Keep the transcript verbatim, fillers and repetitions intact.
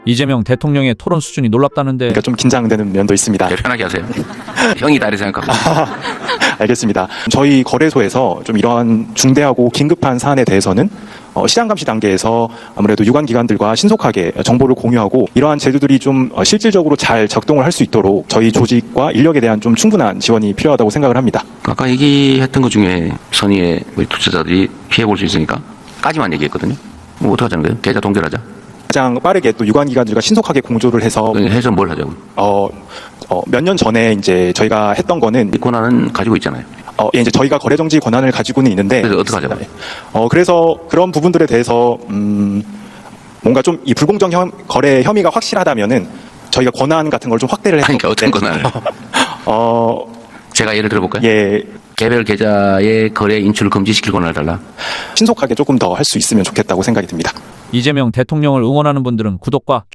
이재명 대통령의 토론 수준이 놀랍다는데. 그러니까 좀 긴장되는 면도 있습니다. 네, 편하게 하세요. 형이 다르게 생각합니다. 알겠습니다. 저희 거래소에서 좀 이러한 중대하고 긴급한 사안에 대해서는 어, 시장 감시 단계에서 아무래도 유관기관들과 신속하게 정보를 공유하고 이러한 제도들이 좀 어, 실질적으로 잘 작동을 할 수 있도록 저희 조직과 인력에 대한 좀 충분한 지원이 필요하다고 생각을 합니다. 아까 얘기했던 것 중에 선의의 우리 투자자들이 피해볼 수 있으니까 까지만 얘기했거든요. 뭐 어떡하자는 거예요? 계좌 동결하자. 가장 빠르게 또 유관기관들과 신속하게 공조를 해서 해서 뭘 하자고. 어, 어, 몇 년 전에 이제 저희가 했던 거는 이 권한은 가지고 있잖아요. 어, 예, 이제 저희가 거래 정지 권한을 가지고는 있는데 그래서 어떻게 하자고. 어, 그래서 그런 부분들에 대해서 음, 뭔가 좀 이 불공정 혐, 거래 혐의가 확실하다면은 저희가 권한 같은 걸 좀 확대를 해서 그러니까 어떤 네. 권한을. 어, 제가 예를 들어볼까요? 예, 개별 계좌의 거래 인출을 금지시킬 권한을 달라. 신속하게 조금 더 할 수 있으면 좋겠다고 생각이 듭니다. 이재명 대통령을 응원하는 분들은 구독과